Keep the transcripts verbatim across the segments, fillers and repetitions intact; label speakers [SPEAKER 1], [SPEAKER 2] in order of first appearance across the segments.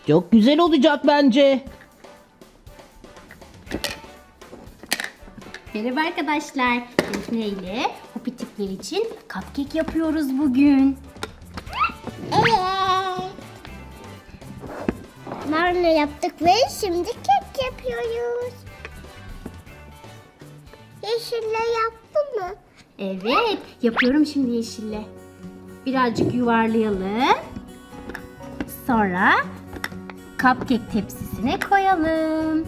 [SPEAKER 1] Çok güzel olacak bence.
[SPEAKER 2] Merhaba arkadaşlar. Defne ile Hopitifler için cupcake yapıyoruz bugün.
[SPEAKER 3] Evet. Marla yaptık ve şimdi kek yapıyoruz. Yeşille yaptın mı?
[SPEAKER 2] Evet, yapıyorum şimdi yeşille. Birazcık yuvarlayalım. Sonra cupcake tepsisine koyalım.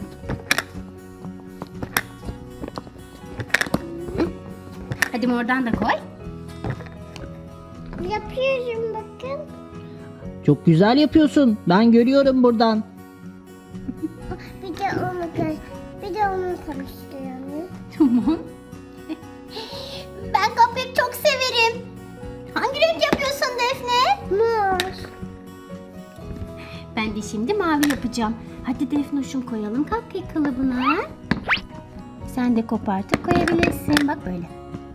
[SPEAKER 2] Hadi mordan da koy.
[SPEAKER 3] Yapıyorum bakın.
[SPEAKER 1] Çok güzel yapıyorsun. Ben görüyorum buradan.
[SPEAKER 3] Bir de onu kar- bir de onu karıştıralım.
[SPEAKER 2] Tamam.
[SPEAKER 3] Ben cupcake çok severim. Hangi renk yapıyorsun Defne? Mor.
[SPEAKER 2] Ben de şimdi mavi yapacağım. Hadi Defnoş'um koyalım cupcake kalıbına. Sen de kopartıp koyabilirsin. Bak böyle.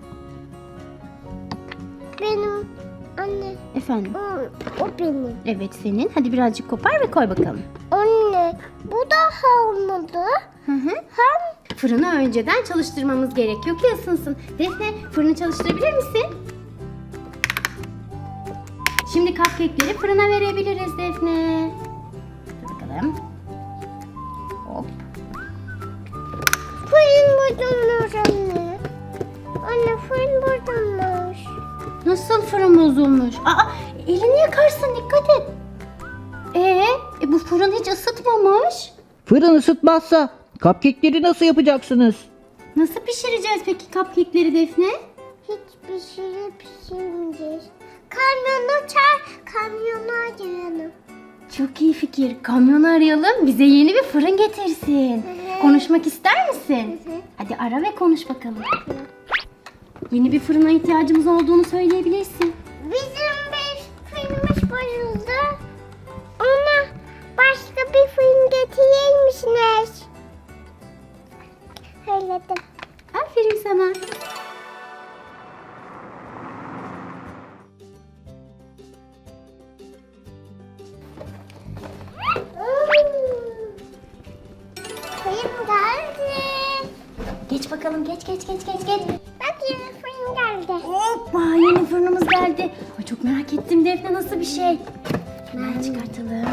[SPEAKER 3] Benim anne.
[SPEAKER 2] Efendim.
[SPEAKER 3] O, o benim.
[SPEAKER 2] Evet senin. Hadi birazcık kopar ve koy bakalım.
[SPEAKER 3] Anne. Bu daha olmadı.
[SPEAKER 2] Hı hı.
[SPEAKER 3] Hem
[SPEAKER 2] Fırını önceden çalıştırmamız gerekiyor ki ısınsın. Defne fırını çalıştırabilir misin? Şimdi cupcake'leri fırına verebiliriz Defne. Dur bakalım. Hop.
[SPEAKER 3] fırın bozulmuş anne. Anne fırın bozulmuş.
[SPEAKER 2] Nasıl fırın bozulmuş? Aa, elini yakarsın dikkat et. Ee, e bu fırın hiç ısıtmamış.
[SPEAKER 1] Fırın ısıtmazsa cupcake'leri nasıl yapacaksınız?
[SPEAKER 2] Nasıl pişireceğiz peki cupcake'leri Defne?
[SPEAKER 3] Hiç pişirip pişirmeyeceğiz. Kamyonu çağır, kamyonu arayalım.
[SPEAKER 2] Çok iyi fikir. Kamyonu arayalım. Bize yeni bir fırın getirsin.
[SPEAKER 3] hı.
[SPEAKER 2] Konuşmak ister misin?
[SPEAKER 3] Hı hı.
[SPEAKER 2] Hadi ara ve konuş bakalım. Yeni bir fırına ihtiyacımız olduğunu söyleyebilirsin.
[SPEAKER 3] Bizim bir fırınımız bozuldu. Ona başka bir fırın getirir misiniz? Söyledim.
[SPEAKER 2] Aferin sana.
[SPEAKER 3] Fırın geldi.
[SPEAKER 2] Geç bakalım. Geç geç geç geç geç.
[SPEAKER 3] Bak yeni fırın geldi.
[SPEAKER 2] Hoppa yeni fırınımız geldi. Ay, çok merak ettim Defne nasıl bir şey. Hemen çıkartalım.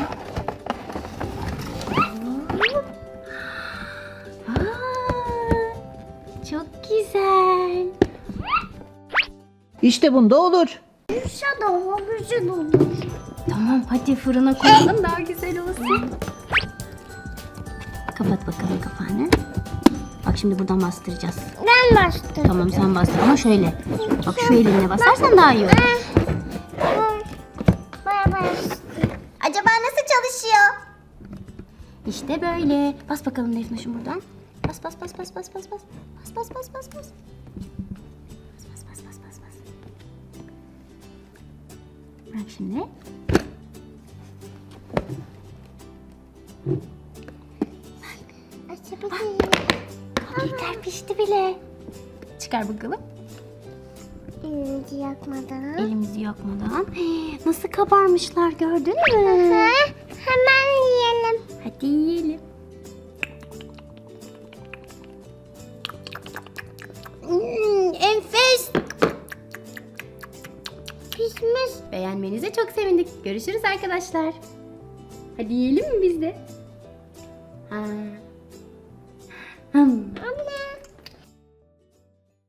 [SPEAKER 2] Aa, çok güzel.
[SPEAKER 1] İşte bunda olur.
[SPEAKER 3] Yuşa daha güzel olur.
[SPEAKER 2] Tamam hadi fırına koyalım daha güzel olsun. Kapat bakalım kapağını. Bak şimdi buradan bastıracağız.
[SPEAKER 3] Ben bastım.
[SPEAKER 2] Tamam sen bastır ama şöyle. Bak şu elinle basarsan daha iyi olur.
[SPEAKER 3] Baya bastım. Acaba nasıl çalışıyor?
[SPEAKER 2] İşte böyle. Bas bakalım Defne'şim buradan. Bas bas bas bas bas bas bas. Bas bas bas bas bas. Bas bas bas bas bas bas. Bırak şimdi.
[SPEAKER 3] Açabilirim.
[SPEAKER 2] Kekler pişti bile. Çıkar bakalım.
[SPEAKER 3] Elimizi yakmadan.
[SPEAKER 2] Elimizi yakmadan. Hey, nasıl kabarmışlar gördün mü?
[SPEAKER 3] Hı, hemen yiyelim.
[SPEAKER 2] Hadi yiyelim.
[SPEAKER 3] Hmm, enfes. Pişmiş.
[SPEAKER 2] Beğenmenize çok sevindik. Görüşürüz arkadaşlar. Hadi yiyelim mi biz de? Ha. Hmm.